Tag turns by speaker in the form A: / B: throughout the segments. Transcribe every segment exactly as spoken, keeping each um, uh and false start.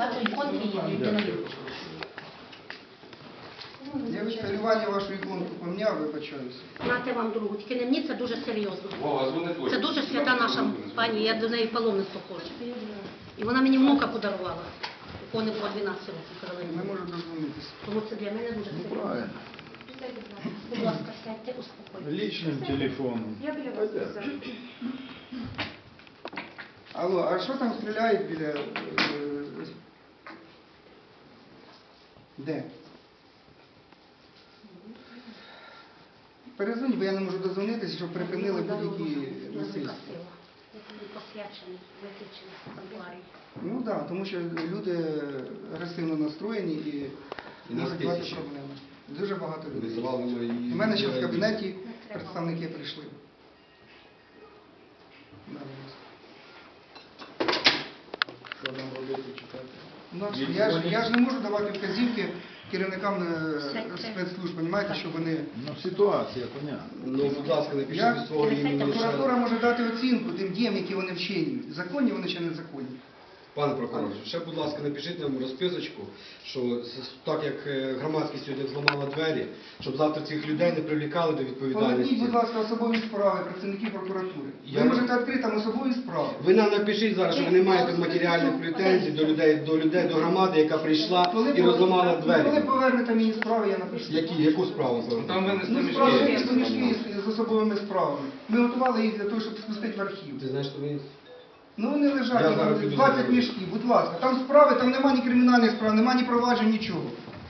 A: Бачу, іконки є, людина є.
B: Я відсталювання вашу іконку помняв, вибачаюся.
A: Нате вам другу, тільки не мені, це дуже серйозно.
C: Вова, дзвони точно.
A: Це дуже свята наша пані, я до неї паломництво ходжу. І вона мені внука подарувала. Ікони по дванадцять років
B: Не
A: Каролині.
B: можу дозвонитися.
A: Тому це для мене дуже
D: Ну,
A: серйозно.
D: правильно.
A: Будь ласка, сядьте, успокойтесь.
D: Личным телефоном.
E: Я біля вас сяду.
B: Алло, а що там стріляють біля... е, Де? Перезвоніть, бо я не можу дозвонитися, щоб припинили будь-які насильства.
A: Посвячений, виключений санкtuарій.
B: Ну так, да, тому що люди агресивно настроєні і
C: І нас
B: можуть мати
C: тисячі.
B: проблеми. Дуже багато людей.
C: Визивали ми її.
B: У мене ще в кабінеті представники прийшли. Да, будь ласка.
D: Що нам робити, чекати?
B: Ну, а що, я, ж, я ж не можу давати вказівки керівникам е, спецслужб, розумієте, що вони...
D: Ну, ситуація, понятно.
C: Ну, будь ласка, не
B: Я-
C: пишіть свого імені.
B: Прокуратура може дати оцінку тим діям, які вони вчинюють. Законні вони чи незаконні.
C: Пане прокурор, ще, будь ласка, напишіть нам розписочку, що з- так як е, громадськість сьогодні зламала двері, щоб завтра цих людей не привлікали до
B: Поверніть,
C: відповідальності.
B: будь ласка, особові справи працівників прокуратури.
C: Я-
B: Ви можете відкрити там особові справи.
C: Ви нам напишіть зараз, що ви не маєте матеріальних претензій до людей, до людей, до громади, яка прийшла і розламала
B: Коли
C: двері.
B: повернете мені справи, я напишу.
C: Які, яку справу зараз?
F: Там винесли
B: Ну, справи
F: мішки.
B: винесли мішки з- з особовими справами. Ми готували їх для того, щоб спустити в архів.
C: Ти знаєш, що ви...
B: Ну вони
C: Я
B: лежать,
C: зараз
B: там
C: піду
B: двадцять
C: заберу.
B: мішків, будь ласка. Там справи, там нема ні кримінальних справ, нема ні проваджень, нічого.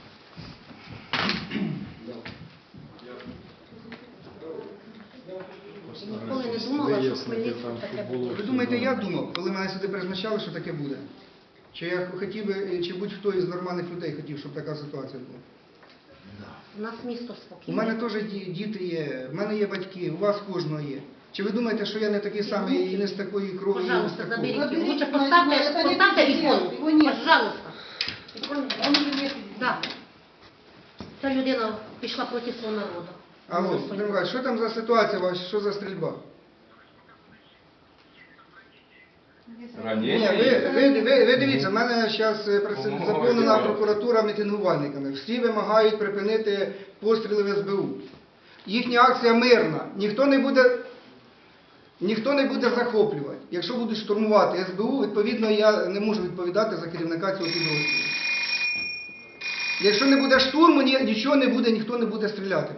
A: Ніколи не думала, що в Хмельницькому таке буде.
B: Ви думаєте, я думав, коли мене сюди призначали, що таке буде? Чи я хотів би, чи будь-хто із нормальних людей хотів, щоб така ситуація була?
A: У нас місто
B: У
A: спокійне.
B: мене теж ді- діти є, в мене є батьки, у вас кожного є. Чи ви думаєте, що я не такий самий і не з такої крові, і не з
A: Пожалуйста,
B: такої?
A: заберите.
E: Заберите,
A: Лучше
E: Марина,
A: поставьте,
E: это не
A: поставьте
E: предел,
A: иконку.
E: его нет.
A: Пожалуйста.
E: Он уже нет.
A: Да. Ця людина пішла проти свого народу.
B: Алло,
A: За
B: Володимир
A: свою-
B: Миколаївич, що там за ситуація ваша, що за стрільба? Ні,
F: Ранення
B: ви,
F: є.
B: ви, ви, ви дивіться, в мене зараз
F: Помогла
B: заповнена
F: держава.
B: прокуратура мітингувальниками. Всі вимагають припинити постріли в ес бе у. Їхня акція мирна. Ніхто не буде, ніхто не буде захоплювати. Якщо будуть штурмувати ес бе у, відповідно, я не можу відповідати за керівника цього підрозділу. Якщо не буде штурму, ні- нічого не буде, ніхто не буде стріляти.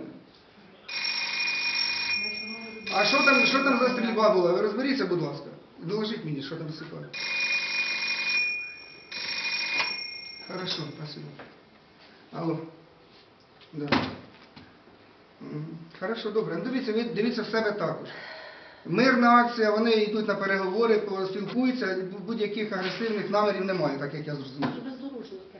B: А що там, що там за стрільба була? Ви розберіться, будь ласка. Доложіть мені, що там за ситуація. Хорошо, спасибо. Алло. Да. Мгм. Хорошо, добре. Ну, дивіться, ви дивіться в себе також. Мирна акція, вони йдуть на переговори, поспілкуються, будь-яких агресивних намірів немає, так як я зрозумів.
A: Бездорожники.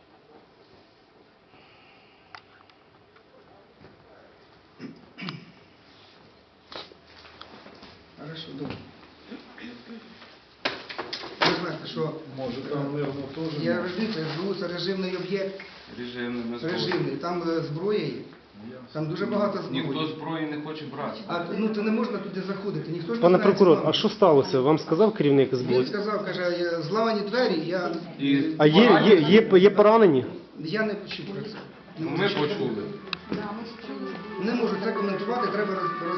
B: Хорошо, добре. Ви знаєте, що
D: Може там мирно теж?
B: я
D: може?
B: розумію, ес бе у це режимний об'єкт,
F: Режимний, ми
B: режимний, там е, зброя є, там дуже багато
F: Ніхто
B: зброї.
F: зброї не хоче брати.
B: А ну то не можна туди заходити, ніхто ж не
G: Пане
B: знає
G: прокурор,
B: ці
G: а що сталося? Вам сказав керівник
B: Він
G: СБУ?
B: сказав, каже, «Е, зламані двері, я,
F: І
G: А є, є, є, є поранені?
B: я не почув про це.
F: ну, ми почули.
B: Не можу це коментувати, треба роз-